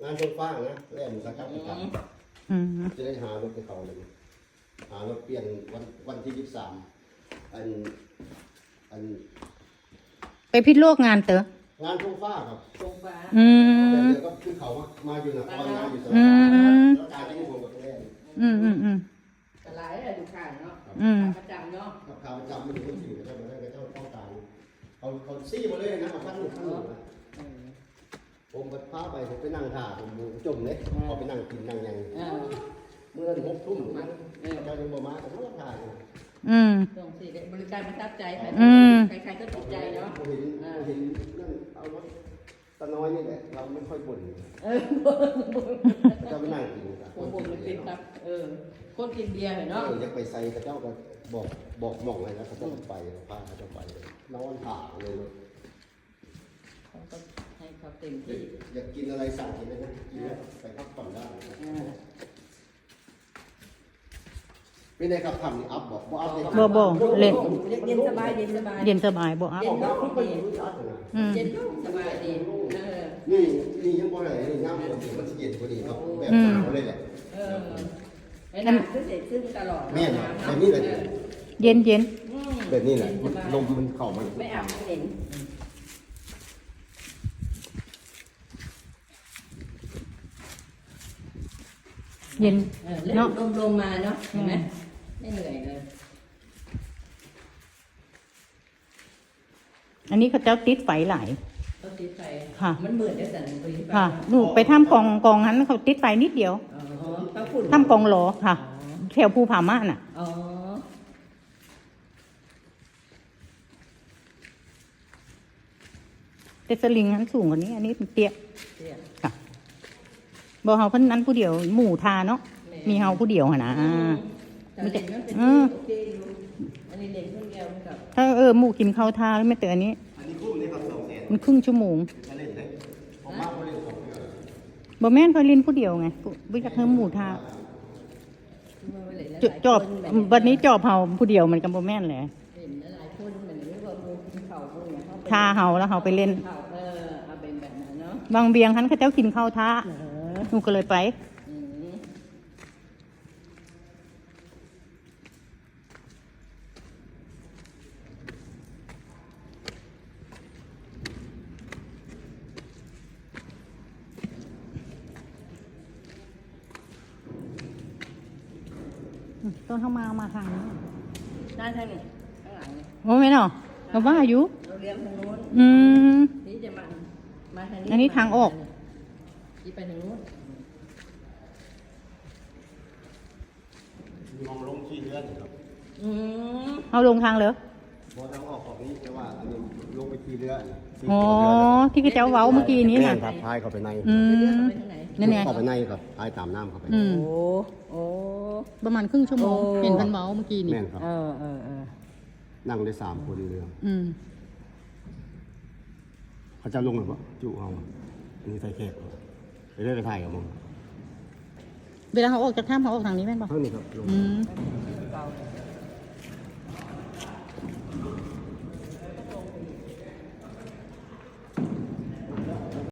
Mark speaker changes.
Speaker 1: งานชนฟ้านะแล่นสักครับจะได้หารถให้เขาเลยหารถเปลี่ยนวันที่23อัน
Speaker 2: ไปพิษโลกงานเต๋อง
Speaker 1: านชนฟ้าครับ
Speaker 3: ชงฟ้า
Speaker 1: แต่เดี๋ยวก็ขึ้นเขามาอยู่นะบางงานอยู่สระแล้วการที่ผมกับตัวแรก
Speaker 3: ตลาดอะไรดูขายเนาะประจำเนาะ
Speaker 1: กับข่าวประจำมันอยู่ที่ก็เจ้าต้องการเขาซี่มาเลยนะมาขั้นหนึ่งนะผมก็พาไปผมไปนั่งท่าผมจมเลยเขาไปนั่งกินนั่งยังเมื่อ6 ทุ่มนะเจ้ายังบ่มาแต่เขาถ่าย
Speaker 3: ส่งสิบริการประทับใจใครๆก็ติดใจเนาะ
Speaker 1: เห็นนั่นเอารถตะน้อยนี่แหละเราไม่ค่อยบ่นเจ้าไปนั่งกิน
Speaker 3: ผมเลยติดครับคนกินเบียร์เนาะ
Speaker 1: อยากไปใส่เจ้าก็บอกหม่องเลยนะเขาจะไปพาเขาจะไปนอนถ่าเลย
Speaker 3: เขาก็ให้เขาเต็มที่
Speaker 1: อยากกินอะไรสั่งกินเลยนะกินแล้วไปพักผ่อนได้ไม่ได้ครับทำนี่อัพบอกอัพเลย
Speaker 2: บ่เล่น
Speaker 3: เย็นสบายเย็นสบาย
Speaker 2: เย็นสบายบ่อัพ
Speaker 3: เย็นเย็นสบายดี
Speaker 1: นี่ยังบ่ได้นี่น้ำมันจะเย็นกว่านี้ครับแบบหนาวเลยแหละ
Speaker 3: ไอ้น้ำคือเสร็จซึ่งตลอด
Speaker 1: แม่แบบนี้เลย
Speaker 2: เย็น
Speaker 1: แบบนี้แหละลมมันเข้ามัน
Speaker 3: ไม่อาบเห็น
Speaker 2: เย็น
Speaker 3: เนาะลมมาเนาะเห็นไหมไม่เหนื่อยเลย
Speaker 2: อันนี้เขาเจ้าติดไฟหลาย
Speaker 3: เขาติดไฟ
Speaker 2: ค่ะ
Speaker 3: มันเหมือนได้แต่ไป
Speaker 2: ค่ะหนูไปทำกองนั้นเขาติดไฟนิดเดียวทำกองหลอค่ะแถวภูผาม่านอ่ะแต่สลิงนั้นสูงกว่านี้อันนี้เป็นเตี้ยค่ะบอกเฮาเพิ่นนั้นผู้เดียวหมู่ทาเนาะมีเฮาผู้เดียวนะ
Speaker 3: มันจะอันนี้เล็กคนเดียวกับ
Speaker 2: ถ้าหมู่กินข้าวทาแล้วไม่เตือนอันนี้มันครึ่งชั่วโมงบ่แม่นเขาลินผู้เดียวไงบ่อยากให้หมู่ทาจอบวันนี้จอบเฮาผู้เดียวมันก็บ่แม่นแหละทาเฮาแล้วเฮาไปเล่นบางเบียงคันเขาเจ้ากินข้าวทาหนูก็เลยไปต้นเข้ามาทางนี้
Speaker 3: ด้านทางนี้ข้างหลังนี่
Speaker 2: โอ้ไม่เนาะเราว่าอายุ
Speaker 3: เราเลี้ยงทางโน้นนี่จะมาทางนี้
Speaker 2: อันนี้ทางออก
Speaker 3: ที่ไปทางโน้น
Speaker 1: มองลงที่เรือครับ
Speaker 2: เอาลงทางเลย
Speaker 1: พอทางออกของนี้แต่ว่าอันนี้ลงไปที่เรือ
Speaker 2: อ๋อที่กระเจ้าเว้าเมื่อกี้นี้
Speaker 1: นะพายเข้าไปใน
Speaker 2: นั่นไง
Speaker 1: เข้าไปในครับพายตามน้ำเข้าไป
Speaker 3: โอ้
Speaker 2: ประมาณครึ่งชั่วโมงเห็นพันเว้าเมื่อกี้นี่
Speaker 1: นั่งได้3 คนเรือเขาจะลงหรือเปล่าจุเอาอันนี้ใส่แขกไปเรื่อยไปถ่ายกับมึง
Speaker 2: เวลาเขาออกจากถ้ำเขาออกทางนี้แม่นป่ะ
Speaker 1: ทางนี้ครับลง